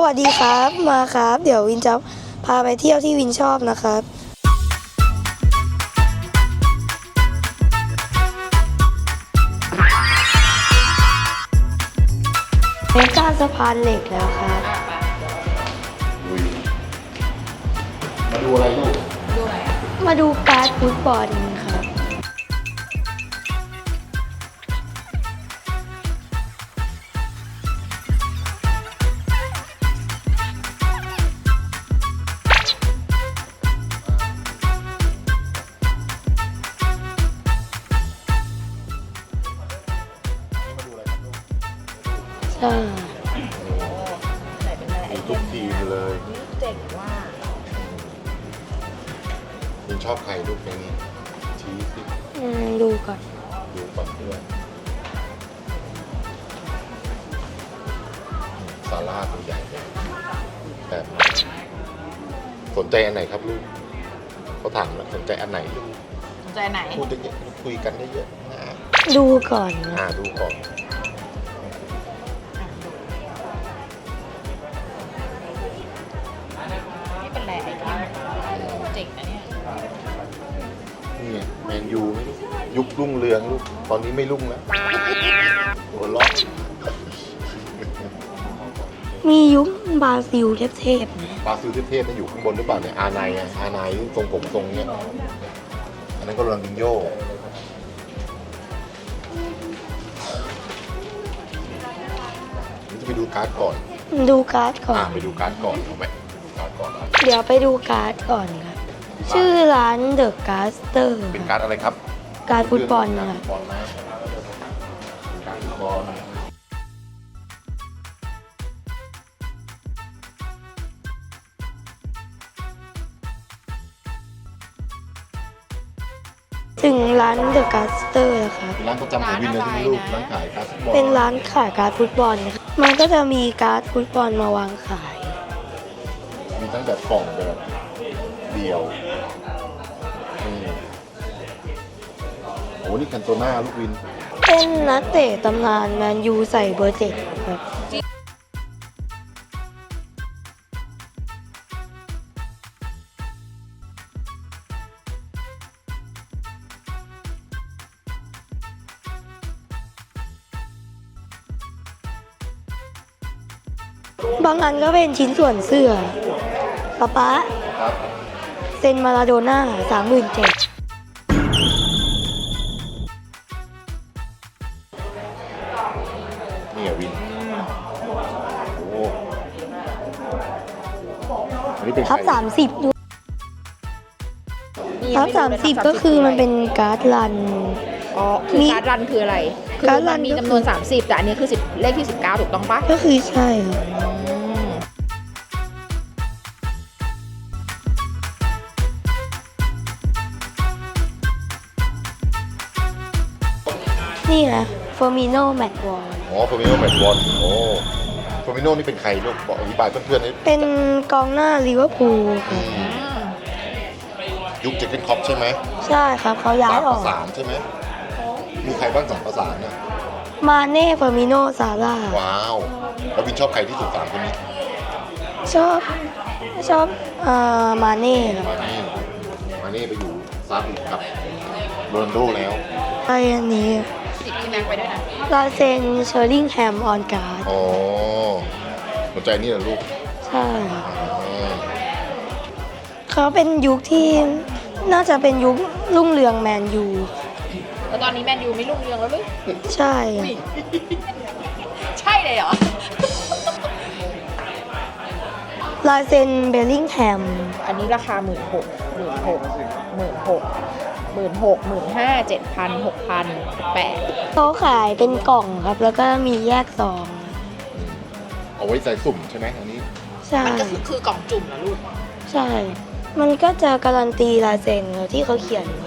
วัสดีครับมาครับเดี๋ยววินจะพาไปเที่ยวที่วินชอบนะครับเป็นการสะพานเหล็กแล้วครับมาดูอะไรลูกมาดูการ์ดฟุตบอลครับใช่มีทุกทีมเลยเจ๋งว่าคุณชอบใครลูกในนี้ชี้สิดูก่อนดูก่อนเพื่อนซาร่าตัวใหญ่แบบสนใจอันไหนครับลูกเขาถามแล้วสนใจอันไหนลูกสนใจไหนพูดได้เยอะคุยกันได้เยอะดูก่อนดูก่อนไม่เป็นไรไอ้ที่เจ๋งนะเนี่ยนี่แมนยูยุครุ่งเรืองลูกตอนนี้ไม่รุ่งแล้วหัวล้อมียุคบราซิลเทพๆนะบราซิลเทพๆนั่นอยู่ข้างบนหรือเปล่าเนี่ยอาไนทรงผมทรงเนี้ยอันนั้นก็โรนัลดินโญ่จะไปดูการ์ดก่อนดูการ์ดก่อนไปดูการ์ดก่อนเอาไหมการ์ดก่อนเดี๋ยวไปดูการ์ดก่อนครับชื่อร้านเดอะการ์สเตอร์เป็นการ์ดอะไรครับการ์ดฟุตบอลครับการ์ดฟุตบอลถึงร้านเดอะการ์สเตอร์นะครับร้านประจำของวินเลยที่ลูกร้านขายการ์ดฟุตบอลเป็นร้านขายการ์ดฟุตบอลนะครับมันก็จะมีการ์ดฟุตบอลมาวางขายมีตั้งแต่กล่องแบบเดียวโอ้นี่คันโตน่าลูกวินเป็นนักเตะตำนานแมนยูใส่เบอร์ 7ครับบางอันก็เป็นชิ้นส่วนเสื้อป๊าเซ็นมาราโดน่า37,000 นี่วินโอ้อันนี้เป็นทับ30ดูทับ30ก็คือมันเป็นการ์ดรันคือการ์ดรันคืออะไรคือมันมีจำนวน30แต่อันนี้คือ10เลขที่19ถูกต้องปะก็คือใช่นี่นะเฟอร์มิโนแมตต์วอลเฟอร์มิโนแมตต์วอลเฟอร์มิโนนี่เป็นใครลูกบอกอธิบายเพื่อนๆให้เป็นกองหน้าลิเวอร์พูลยุคเจคเกนคอปใช่ไหมใช่ครับเขาย้ายออก 3 ประสานใช่ไหมมีใครบ้าง3 ประสานเนี่ยมาเน่เฟอร์มิโนซาร่าว้าวแล้ววินชอบใครที่สุด3 คนนี้ชอบมาเน่ครับมาเน่ไปอยู่ซาอุกับโรนัลโดแล้วไอ้อันนี้ติดที่แม็กไปด้วยนะลาเซนเชอร์ลิงแฮมออนการ์ดหัวใจนี่เหรอลูกใช่เขาเป็นยุคที่น่าจะเป็นยุครุ่งเรืองแมนยูแล้วตอนนี้แมนยูไม่รุ่งเรืองแล้วหรือใช่ใช่เลยเหรอลาเซนเบลลิงแฮมอันนี้ราคา15,000 7,000 6,000 8,000 เขาขายเป็นกล่องครับแล้วก็มีแยกซองเอาไว้ใส่สุ่มใช่ไหมอันนี้ใช่มันก็คือกล่องจุ่มนะลูกใช่มันก็จะการันตีลายเซ็นที่เขาเขียน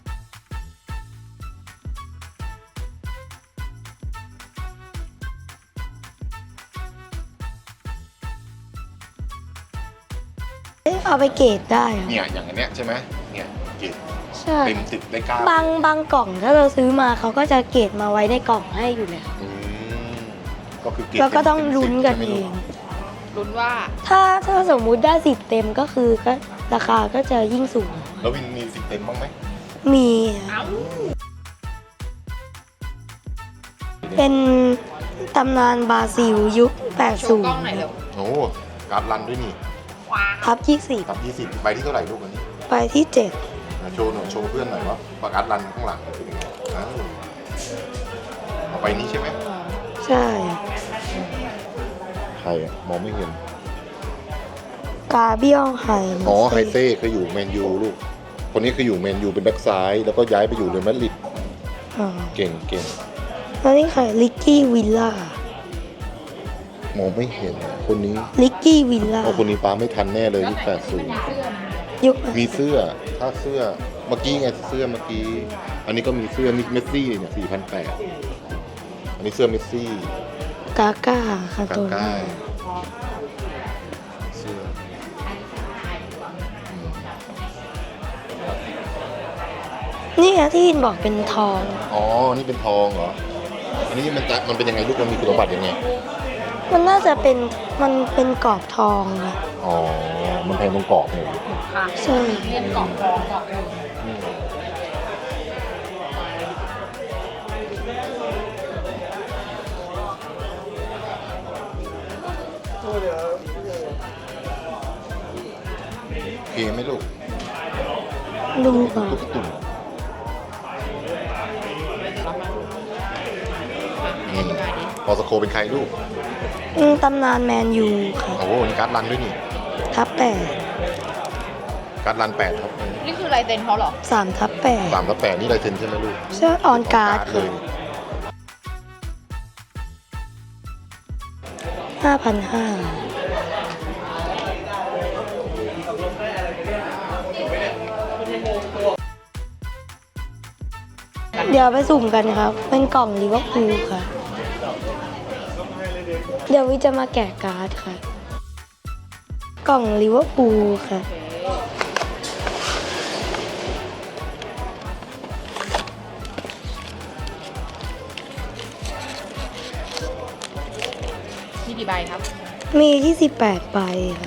เอาไปเกรดได้เนี่ยอย่างอันเนี้ยใช่ไหมเนี่ยเกรดเต็ม10ได้9 บางกล่องถ้าเราซื้อมาเขาก็จะเกรดมาไว้ในกล่องให้อยู่แล้วก็คือเกรดแล้วก็ต้องลุ้นกันเองลุ้นว่าถ้าสมมุติได้10เต็มก็คือก็ราคาก็จะยิ่งสูงแล้ววินมี10 เต็มบ้างไหมมีเอ้าเป็นตำนานบราซิลยุคโชว์กล้องหน่อยเร็วโอ้การ์ดรันด้วยนี่ว้า 80ทับกับ20ใบที่เท่าไหร่ลูกวันนี้ 20ไปที่โชว์หน่อยโชว์เพื่อนหน่อยว่าปากการ์ดรันข้างหลังเป็นยังไงอ้าวเอาไปนี้ใช่ไหม 7 ใช่ใครอะมองไม่เห็นกาเบียลไฮอ๋อไฮเซ่เคยอยู่แมนยูลูก คนนี้เคยอยู่แมนยูเป็นแบ็กซ้าย แล้วก็ย้ายไปอยู่เรอัลมาดริดอ๋อเก่งเก่งแล้วนี่ใครลิกกี้วิลล่ามองไม่เห็นคนนี้ลิกกี้วิลล่าเอาคนนี้ป้าไม่ทันแน่เลยยุคยุค 80มีเสื้อถ้าเสื้อเมื่อกี้ไงเสื้อเมื่อกี้ อันนี้ก็มีเสื้อนี่เมสซี่เนี่ย4,800อันนี้เสื้อเมสซี่กาก้าคาโตกาก้าน่าเสื้อนี่อะที่อินบอกเป็นทองอ๋อ นี่เป็นทองเหรอ อันนี้มันเป็นยังไงลูกมันมีคุณสมบัติยังไงมันน่าจะเป็นกรอบทองนะอ๋อ มันแพงตรงกรอบเนี่ยค่ะใช่เรียนกล่องทองกล่องหนึ่งอืมโอเคไหมลูกดูก่อนตุ๊กตุ่มนี่พอสโคเป็นใครลูกตำนานแมนยูค่ะโอ้โหนี่การ์ดรันด้วยนี่ทับการ์ดรัน8ครับนี่คือลายเซ็นเขาเหรอ 8 3ทับ 3/8นี่ลายเซ็นใช่ไหมลูก 8ใช่ออนการ์ดเลค่ะย 5,500เดี๋ยวไปสุ่มกันครับ เป็นกล่องลิเวอร์พูลค่ะ เดี๋ยววิจะมาแกะการ์ดค่ะ กล่องลิเวอร์พูลค่ะมีกี่ใบครับมี28ใบค่ะ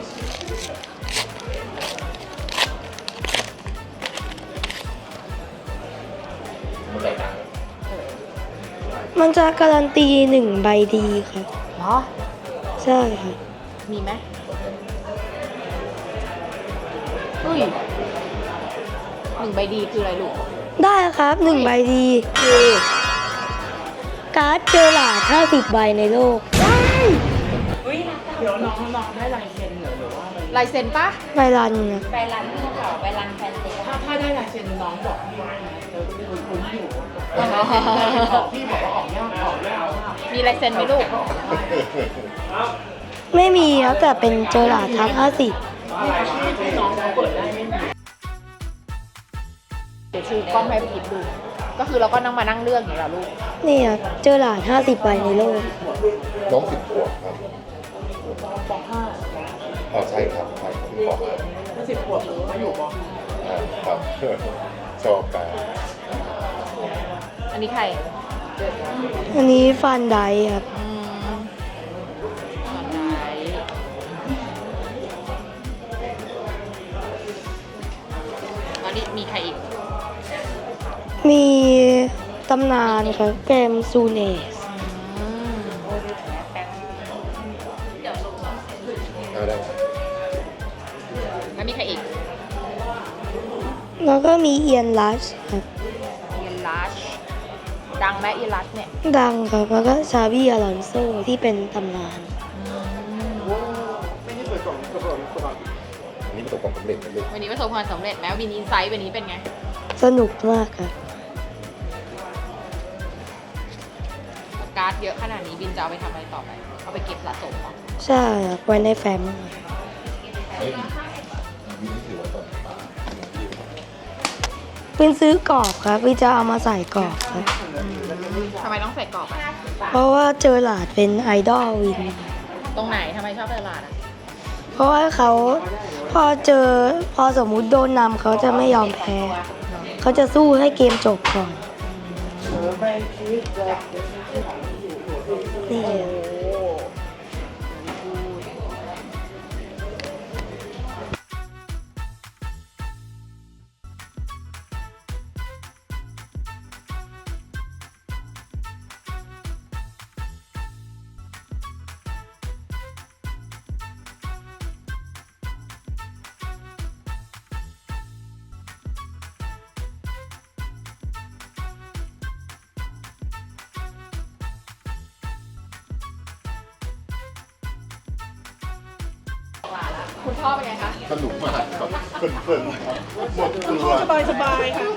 มันจะการันตี1 ใบดีค่ะเหรอใช่ค่ะมีไหมอุ้ย1 ใบดีคืออะไรลูกได้ครับ1 ใบดีคือการ์ดเจอหลาด50 ใบในโลกลายเซ็นปะใบรันนะใบรันที่เขาใบรันแฟนเซ็นถ้าได้ลายเซ็นน้องบอกพี่นะเดี๋ยวเป็นคนอยู่พี่บอกว่าออกยากมากมีลายเซ็นไหมลูกไม่มีครับแต่เป็นเจอหลาดทับ50 น้องเขาเปิดได้ไม่มีเดี๋ยวชูกล้องให้พี่อิดดู ก็คือเราก็นั่งมานั่งเลือกอย่างนี้เหรอลูกนี่ครับเจอหลาด50 ใบในโลกน้อง10 ขวบครับปอ๋อใช่ครับใช่ขวบครับ .5 ถ้า10 ขวบเขาอยู่ปครับ ชอบการอันนี้ใครอันนี้ฟันไดครับอันนี้มีใครอีกมีตำนานครับเกมซูเนสเอาได้แล้วมีใครอีกแล้วก็มีเอียนลัชครับเอียนลัช ดังไหมเอียนลัชเนี่ยดังครับ แล้วก็ชาบี้อลอนโซที่เป็นตำนานอันนี้ประสบความสำเร็จนะลูกวันนี้ประสบความสำเร็จไหมวินอินไซต์วันนี้เป็นไงสนุกมากครับการ์ดเยอะขนาดนี้บินจะเอาไปทำอะไรต่อไป เอาไปเก็บสะสมเหรอใช่ครับไว้ในแฟ้มเฮ้ยวินนี่ถือว่าตอนวินซื้อกรอบครับวินจะเอามาใส่กรอบครับทำไมต้องใส่กรอบอ่ะเพราะว่าเจอหลาดเป็นไอดอลวินตรงไหนทำไมชอบตลาดอ่ะเพราะว่าเขาพอสมมุติโดนนำเขาจะไม่ยอมแพ้ เขาจะสู้ให้เกมจบก่อน นี่คุณพ่อเป็นไงคะสนุกมากครับเพลินๆครับหมดตัวสบายค่ะ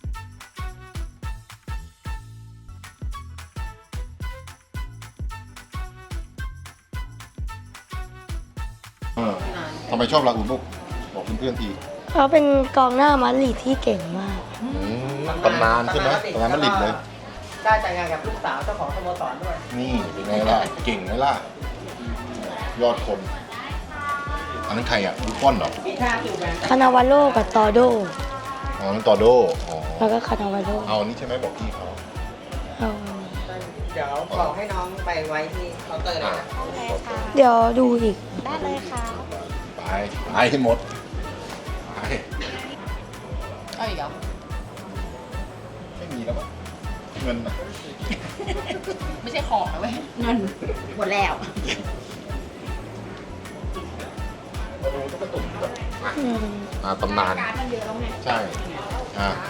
ทำไมชอบลาอูลูกบอกเพื่อนๆทีเขาเป็นกองหน้ามาดริดที่เก่งมากตำนานใช่ไหมตำนานมาดริดเลยได้แต่งงานกับลูกสาวเจ้าของสโมสรด้วยนี่เป็นไงล่ะ เก่งไหมล่ะ ยอดคน อันนั้นใครอ่ะบุฟฟอนเหรอมีท่าอยู่แบบคานาวาโลกับตอโดอ๋อนั่นตอโดอ๋อแล้วก็คานาวาโลเอาอันนี้ใช่ไหมบอกพี่เขาเอาเดี๋ยวบอกให้น้องไปไว้ที่เคาน์เตอร์เลยนะเดี๋ยวดูอีกได้เลยค่ะไปให้หมดไปเอาอีกเหรอไม่มีแล้วมั้งเงินน่ะไม่ใช่ของนะเว้ย เงิน หมดแล้วมาดูตุ๊กตุ่มแบบอืมตำนานการมันเยอะแล้วไงใช่อ่า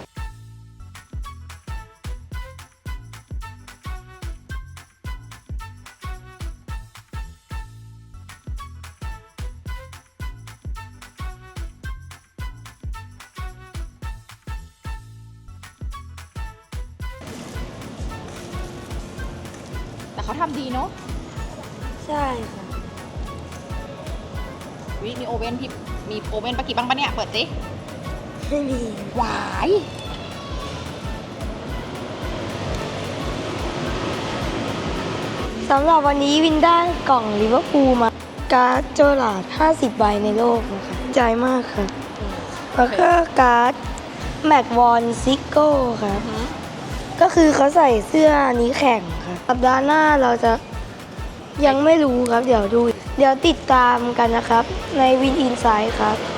แต่เขาทำดีเนาะใช่ค่ะวิมีโอเว่นที่มีโอเว่นปะกี่บ้างปะเนี่ย เปิดสิไม่มีหวายสำหรับวันนี้วินได้กล่องลิเวอร์พูลมา การ์ดโจลาร์ด50 ใบในโลกนะคะใจมากค่ะ แล้วก็การ์ดแม็กวอนซิโก้ค่ะ ก็คือเขาใส่เสื้อนี้แข่งค่ะสัปดาห์หน้าเราจะยังไม่รู้ครับ เดี๋ยวดู เดี๋ยวติดตามกันนะครับ ในวินอินไซด์ครับ